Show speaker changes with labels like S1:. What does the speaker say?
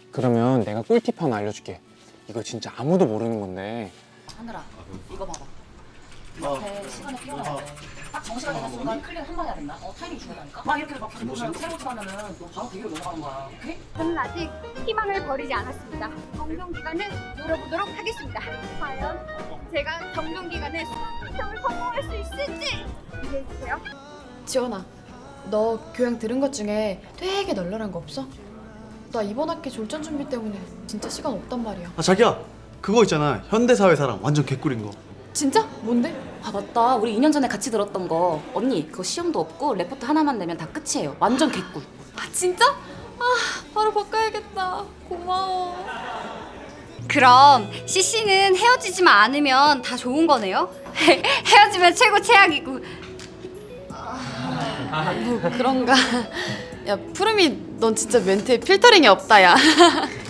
S1: 그러면 내가 꿀팁 하나 알려줄게. 이거 진짜 아무도 모르는 건데.
S2: 하늘아, 이거 봐봐. 이렇게 시간에 뛰어나야 돼. 딱 정시간에 되는 순간 클릭 한 번 해야 된다. 타이밍이 중요하니까. 막 이렇게 막 계속 보면 세로 하면은 너 바로 대기로 넘어가는 거야. 오케이?
S3: 저는 아직 희망을 버리지 않았습니다. 정동 기간을 노려보도록 하겠습니다. 과연 제가 정동 기간에 수학 시험을 성공할 수 있을지 기대해 주세요.
S4: 지원아, 너 교양 들은 것 중에 되게 널널한 거 없어? 나 이번 학기 졸전 준비 때문에 진짜 시간 없단 말이야.
S5: 아 자기야, 그거 있잖아. 현대사회사랑 완전 개꿀인 거.
S4: 진짜? 뭔데?
S2: 아 맞다. 우리 2년 전에 같이 들었던 거. 언니 그거 시험도 없고 레포트 하나만 내면 다 끝이에요. 완전 개꿀.
S4: 아 진짜? 아 바로 바꿔야겠다. 고마워.
S3: 그럼 CC는 헤어지지만 않으면 다 좋은 거네요? 헤어지면 최고 최악이고.
S4: 뭐 그런가? 야 푸름이 넌 진짜 멘트에 필터링이 없다 야.